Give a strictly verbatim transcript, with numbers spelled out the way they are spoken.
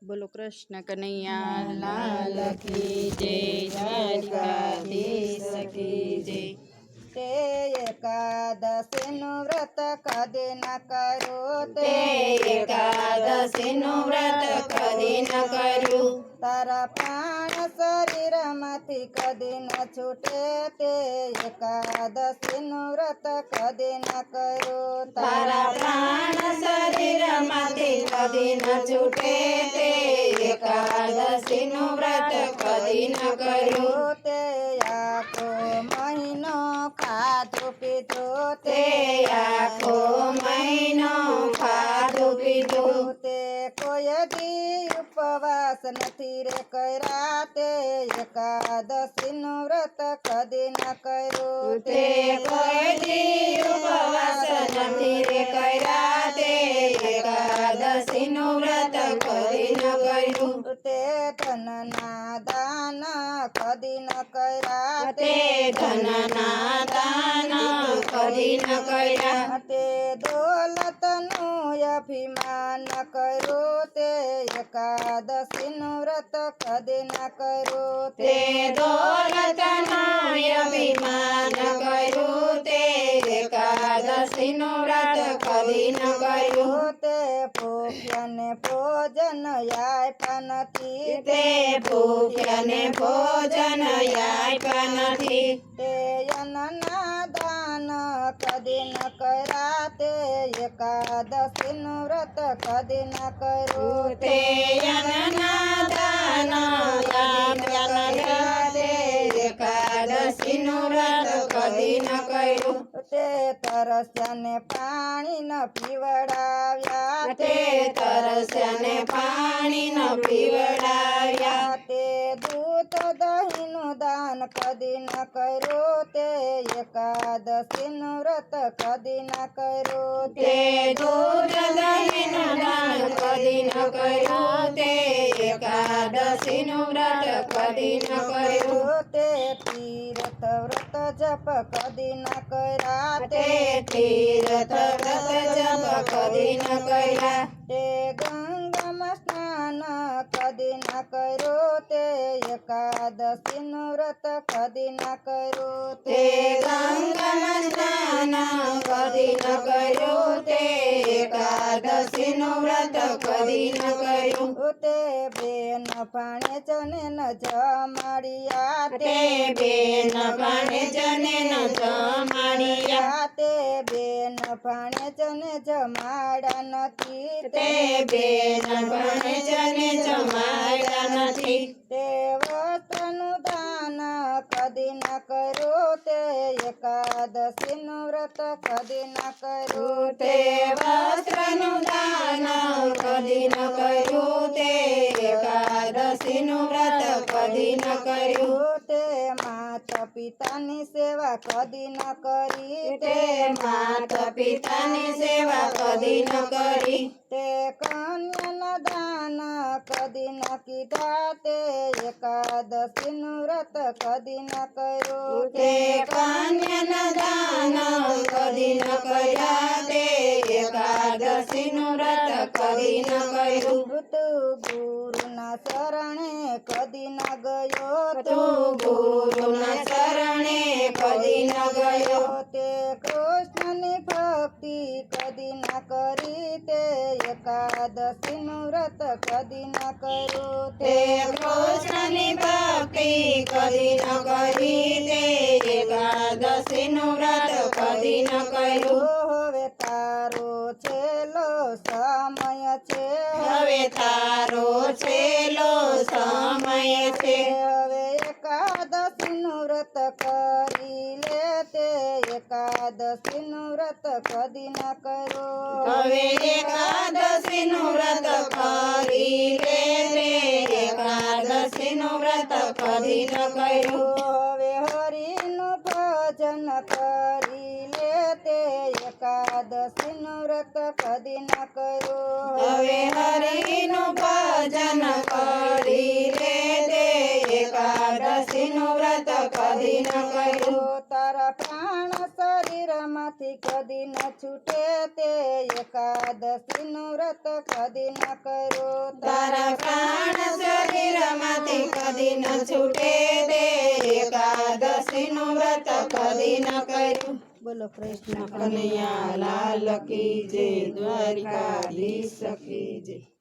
बोलो कृष्ण कन्हैया लाल की जय, द्वारिकाधीश की जय। ते एकादशी नु व्रत कदी न करो ते एकादशी नु व्रत कदी न करू। तारा प्राण शरीर माथी कदी न छूटे ते एकादशी नु व्रत कदी न करो। तारा प्राण शरीर माथी कदी न छूटे ते एकादशी नु व्रत कदी न करू। ते आखो महीनो खाधो पीधो ते आखो महीनो खाधो पीधो। ते कोई दी उपवास नहीं रे करा ते एकादशी नु व्रत कदी न करो। ते कोई दी उपवास नहीं रे करा ते एकादशी नु व्रत कदी न करू। ते धन ना दान कदी न करा ते धन ना दान कदी न करा। ते दौलत नु अभिमान करो ते एकादशी नु व्रत कदी न करो। ते दौलत नु अभिमान करू ते एकादशी नु व्रत कदी न करू। ते भूख्यन भोजन यापन थी ते भूख्यन भोजन यापन थी। ते अनना दान कदी न करा ते एकादशी नु व्रत कदी न करो। ते अनना दान कदी न करा ते एकादशी नु व्रत कदी न करू। ते तरस्याने पाणी न पीवडाव्या ते तरस्याने पाणी न पीवडाव्या। ते दूध दही नु दान कदी न करो ते एकादशी नु व्रत कदी न करो। ते दूध दही नु दान कदी न करू ते एकादशी नु व्रत कदी न करू। ते तीर्थ व्रत जप कदी न करा ते तीर्थ व्रत जप कदी न करा। ते गंगम स्नान कदी न करो ते एकादशी नु व्रत कदी न करो। ते गंगम स्नान कदी न करू ते एकादशी नु व्रत कदी न करू। ते बेन पाणे जने न जमाड़िया ते बेन पाणे जने न जमाड़िया। ते बेन पाणे जने जमाड़ा नथी ते बेन पाणे जने जमाड़ा नथी। ते वस्त्र नु दान कदी न करो ते एकादशी नु व्रत कदी न करो। ते वस्त्र नु दान कदी न करू ते एकादशी नु व्रत कदी न करू। ते माता पिता नी सेवा कदी न करी ते माता पिता नी सेवा कदी न करी। ते कन्या न दान कदी न कीधा ते एकादशी नु व्रत कदी न करो। ते कन्या न दान कदी न करा ते एकादशी नु व्रत कदी न करू। तू गुरु न शरणे कदी न गयो तू गुरु न शरणे कदी न गयो। ते कृष्ण नि भक्ति कदी न करी ते एकादशी नु व्रत कदी न करो। ते कृष्ण नि भक्ति कदी न करी ते एकादशी नु व्रत कदी न करू। હવે તારો છેલ્લો સમય છે હવે તારો છેલ્લો સમય છે। હવે એકાદશી નું વ્રત કરી લે તે એકાદશી નું વ્રત કદી ન કરો। હવે એકાદશી નું વ્રત કરી લે તે એકાદશી નું વ્રત કદી ન કર્યું। હવે હરિનું ભજન કરી લે તે એકાદશી નું વ્રત કદી ન કરો। હવે હરિનું ભજન કરી લે તે એકાદશી નું વ્રત કદી ન કર્યું। તારા પ્રાણ શરીરમાં શરીરમાંથી કદી ન છૂટે તે એકાદશીનું વ્રત કદી ન કર્યું. તારા પ્રાણ શરીરમાંથી કદી ન છૂટે તે એકાદશીનું વ્રત કદી ન કર્યું. બોલો કૃષ્ણ કનૈયા લાલ કી જય, દ્વારિકાધીશ કી જય.